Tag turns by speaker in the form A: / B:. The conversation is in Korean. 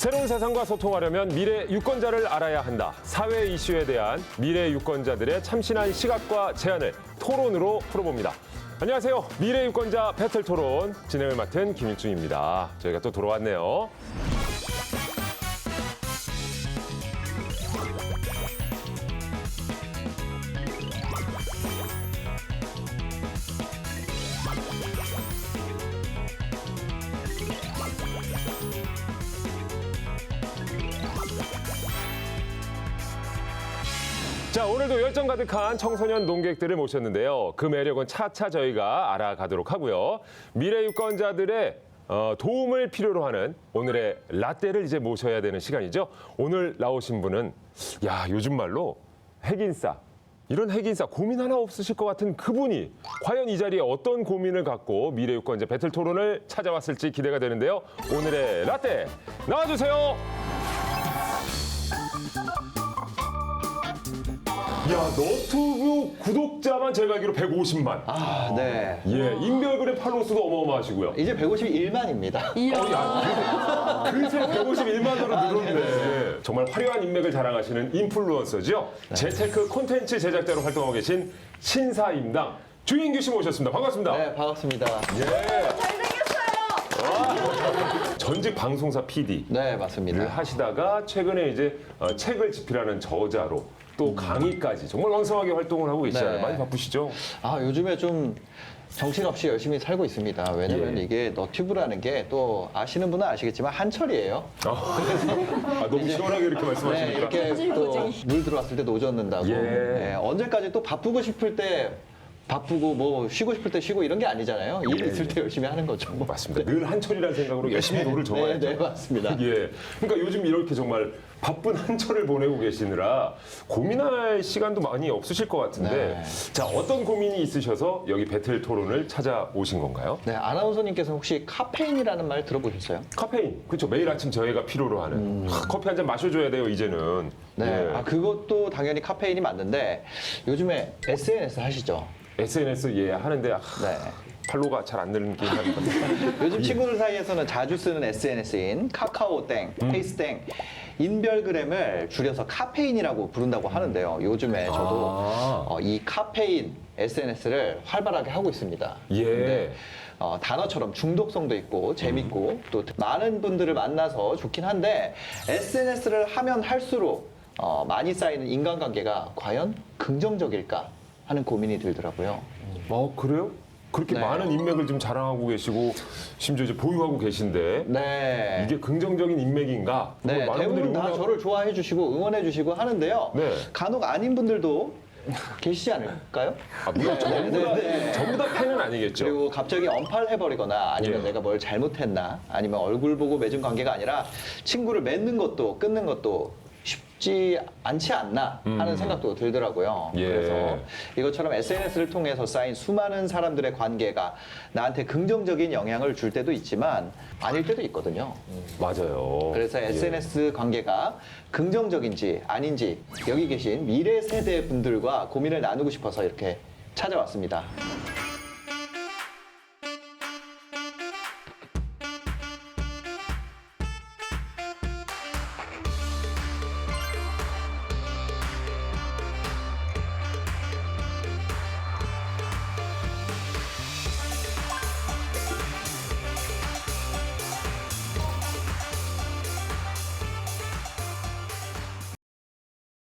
A: 새로운 세상과 소통하려면 미래 유권자를 알아야 한다. 사회 이슈에 대한 미래 유권자들의 참신한 시각과 제안을 토론으로 풀어봅니다. 안녕하세요. 미래 유권자 배틀 토론 진행을 맡은 김일중입니다. 저희가 또 돌아왔네요. 자, 오늘도 열정 가득한 청소년 농객들을 모셨는데요. 그 매력은 차차 저희가 알아가도록 하고요. 미래 유권자들의 도움을 필요로 하는 오늘의 라떼를 이제 모셔야 되는 시간이죠. 오늘 나오신 분은 요즘 말로 핵인싸. 이런 핵인싸 고민 하나 없으실 것 같은 그분이 과연 이 자리에 어떤 고민을 갖고 미래 유권자 배틀 토론을 찾아왔을지 기대가 되는데요. 오늘의 라떼 나와주세요. 너튜브 구독자만 제가 알기로 150만.
B: 네.
A: 인별그램 팔로우 수도 어마어마하시고요.
B: 이제 151만입니다.
A: 그새 151만으로 늘었네. 정말 화려한 인맥을 자랑하시는 인플루언서죠. 재테크 콘텐츠 제작자로 활동하고 계신 신사임당 주인규 씨 모셨습니다. 반갑습니다.
B: 네, 반갑습니다.
A: 전직 방송사 PD를
B: 네, 맞습니다.
A: 하시다가 최근에 이제 책을 집필하는 저자로 또 강의까지 정말 왕성하게 활동을 하고 계시잖아요.
B: 네.
A: 많이 바쁘시죠?
B: 요즘에 좀 정신없이 열심히 살고 있습니다. 왜냐면 이게 너튜브라는 게 또 아시는 분은 아시겠지만 한철이에요.
A: 너무 시원하게 이렇게 말씀하시니까.
B: 이렇게 또 물 들어왔을 때 노젓는다고. 언제까지 또 바쁘고 싶을 때 바쁘고 뭐 쉬고 싶을 때 쉬고 이런 게 아니잖아요. 일 있을 때 열심히 하는 거죠.
A: 맞습니다. 늘 한철이라는 생각으로 열심히 노를 저어야죠.
B: 네, 맞습니다.
A: 그러니까 요즘 이렇게 정말 바쁜 한철을 보내고 계시느라 고민할 시간도 많이 없으실 것 같은데 자, 어떤 고민이 있으셔서 여기 배틀 토론을 찾아오신 건가요?
B: 네, 아나운서님께서 혹시 카페인이라는 말 들어보셨어요?
A: 카페인. 그렇죠. 매일 아침 저희가 필요로 하는 커피 한 잔 마셔줘야 돼요, 이제는.
B: 네. 그것도 당연히 카페인이 맞는데 요즘에 SNS 하시죠?
A: SNS 하는데
B: 네.
A: 팔로우가 잘 안 느는 게임 하는 것 같아요.
B: 요즘 친구들 사이에서는 자주 쓰는 SNS인 카카오땡, 페이스땡, 인별그램을 줄여서 카페인이라고 부른다고 하는데요. 요즘에 저도 이 카페인 SNS를 활발하게 하고 있습니다. 근데 단어처럼 중독성도 있고 재밌고 또 많은 분들을 만나서 좋긴 한데 SNS를 하면 할수록 많이 쌓이는 인간관계가 과연 긍정적일까 하는 고민이 들더라고요.
A: 그래요? 그렇게
B: 네.
A: 많은 인맥을 좀 자랑하고 계시고 심지어 이제 보유하고 계신데
B: 네.
A: 이게 긍정적인 인맥인가?
B: 네,
A: 많은
B: 대부분
A: 분들이
B: 다 저를 좋아해 주시고 응원해 주시고 하는데요.
A: 네.
B: 간혹 아닌 분들도 계시지 않을까요?
A: 물론
B: 네.
A: 전부 다 팬은 아니겠죠.
B: 그리고 갑자기 언팔해버리거나 아니면
A: 예.
B: 내가 뭘 잘못했나 아니면 얼굴 보고 맺은 관계가 아니라 친구를 맺는 것도 끊는 것도 쉽지 않지 않나 하는 생각도 들더라고요.
A: 예.
B: 그래서 이것처럼 SNS를 통해서 쌓인 수많은 사람들의 관계가 나한테 긍정적인 영향을 줄 때도 있지만 아닐 때도 있거든요.
A: 맞아요.
B: 그래서 SNS 관계가 긍정적인지 아닌지 여기 계신 미래 세대 분들과 고민을 나누고 싶어서 이렇게 찾아왔습니다.